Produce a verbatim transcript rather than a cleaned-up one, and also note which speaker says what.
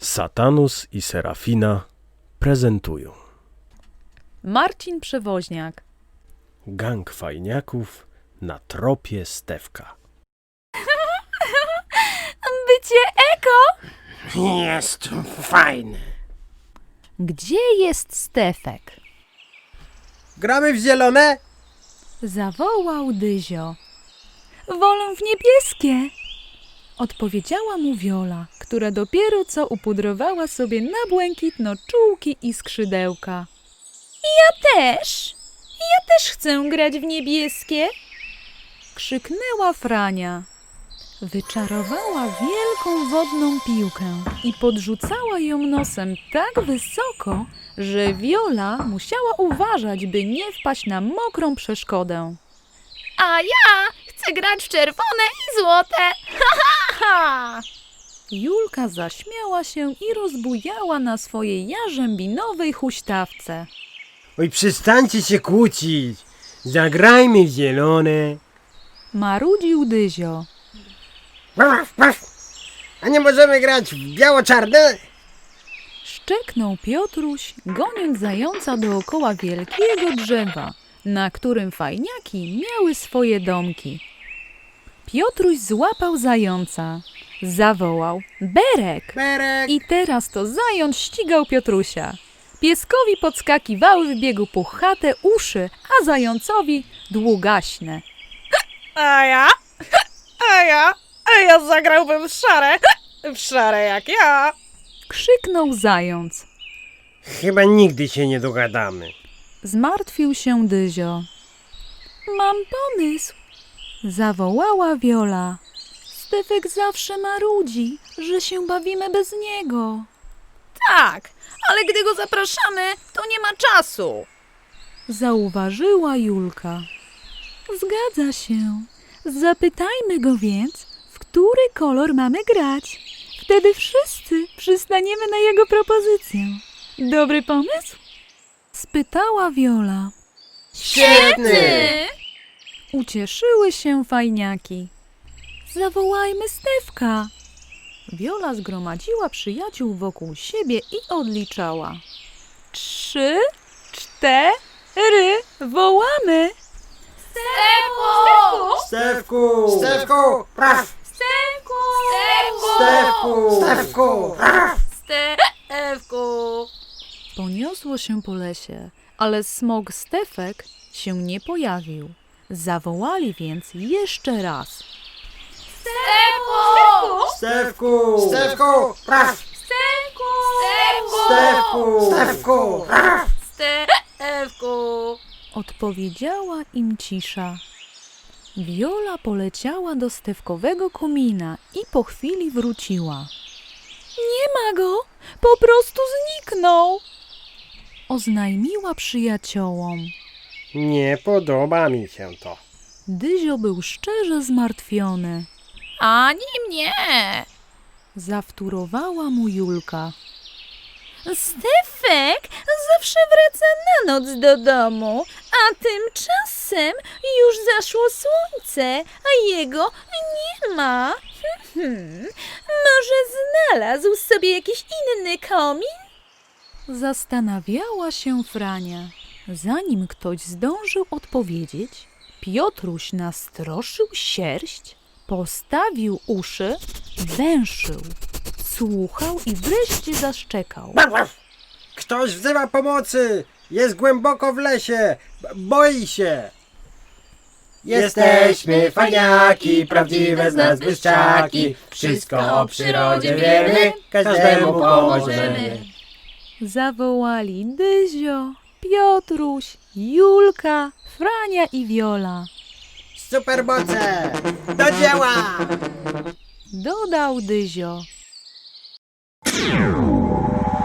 Speaker 1: Satanus i Serafina prezentują
Speaker 2: Marcin Przewoźniak.
Speaker 1: gang fajniaków na tropie Stefka.
Speaker 2: Bycie eko?
Speaker 3: Jest fajny.
Speaker 2: Gdzie jest Stefek?
Speaker 3: Gramy w zielone?
Speaker 2: Zawołał Dyzio. Wolę w niebieskie, odpowiedziała mu Wiola, która dopiero co upudrowała sobie na błękitno czułki i skrzydełka. Ja też, ja też chcę grać w niebieskie, krzyknęła Frania. Wyczarowała wielką wodną piłkę i podrzucała ją nosem tak wysoko, że Wiola musiała uważać, by nie wpaść na mokrą przeszkodę.
Speaker 4: A ja chcę grać w czerwone i złote. Ha, ha, ha.
Speaker 2: Julka zaśmiała się i rozbujała na swojej jarzębinowej huśtawce.
Speaker 3: Oj, przestańcie się kłócić. Zagrajmy w zielone.
Speaker 2: Marudził Dyzio.
Speaker 3: A nie możemy grać w biało-czarne?
Speaker 2: Szczeknął Piotruś, goniąc zająca dookoła wielkiego drzewa, na którym fajniaki miały swoje domki. Piotruś złapał zająca, zawołał Berek
Speaker 3: Berek.
Speaker 2: i teraz to zając ścigał Piotrusia. Pieskowi podskakiwały w biegu puchate uszy, a zającowi długaśne.
Speaker 4: A ja? A ja? A ja zagrałbym w szare. W szare jak ja.
Speaker 2: Krzyknął zając.
Speaker 3: Chyba nigdy się nie dogadamy.
Speaker 2: Zmartwił się Dyzio. Mam pomysł, zawołała Wiola. Stefek zawsze marudzi, że się bawimy bez niego.
Speaker 4: Tak, ale gdy go zapraszamy, to nie ma czasu.
Speaker 2: Zauważyła Julka. Zgadza się. Zapytajmy go więc, w który kolor mamy grać. Wtedy wszyscy przystaniemy na jego propozycję. Dobry pomysł? Spytała Wiola.
Speaker 3: Świetny!
Speaker 2: Ucieszyły się fajniaki. Zawołajmy Stefka. Wiola zgromadziła przyjaciół wokół siebie i odliczała. Trzy, cztery, wołamy!
Speaker 4: Stefku!
Speaker 3: Stefku! Stefku! Praw!
Speaker 4: Stefku!
Speaker 3: Stefku! Stefku!
Speaker 4: Stefku!
Speaker 2: Poniosło się po lesie, ale smok Stefek się nie pojawił. Zawołali więc jeszcze raz.
Speaker 4: Stefku!
Speaker 3: Stefku! Stefku! Praw!
Speaker 4: Stefku!
Speaker 3: Stefku! Stefku!
Speaker 4: Stefku!
Speaker 2: Odpowiedziała im cisza. Wiola poleciała do Stefkowego komina i po chwili wróciła. Nie ma go, po prostu zniknął, oznajmiła przyjaciołom.
Speaker 3: Nie podoba mi się to.
Speaker 2: Dyzio był szczerze zmartwiony.
Speaker 4: Ani mnie.
Speaker 2: Zawtórowała mu Julka.
Speaker 4: Stefek zawsze wraca na noc do domu, a tymczasem już zaszło słońce, a jego nie ma. Hmm, może znalazł sobie jakiś inny komin?
Speaker 2: Zastanawiała się Frania. Zanim ktoś zdążył odpowiedzieć, Piotruś nastroszył sierść, postawił uszy, węszył, słuchał i wreszcie zaszczekał.
Speaker 3: Ktoś wzywa pomocy! Jest głęboko w lesie! B- Boi się!
Speaker 5: Jesteśmy fajniaki, prawdziwe z nas błyszczaki. Wszystko o przyrodzie wiemy, każdemu pomożemy.
Speaker 2: Zawołali Dyzio, Piotruś, Julka, Frania i Wiola.
Speaker 3: Supermoce! Do dzieła!
Speaker 2: Dodał Dyzio.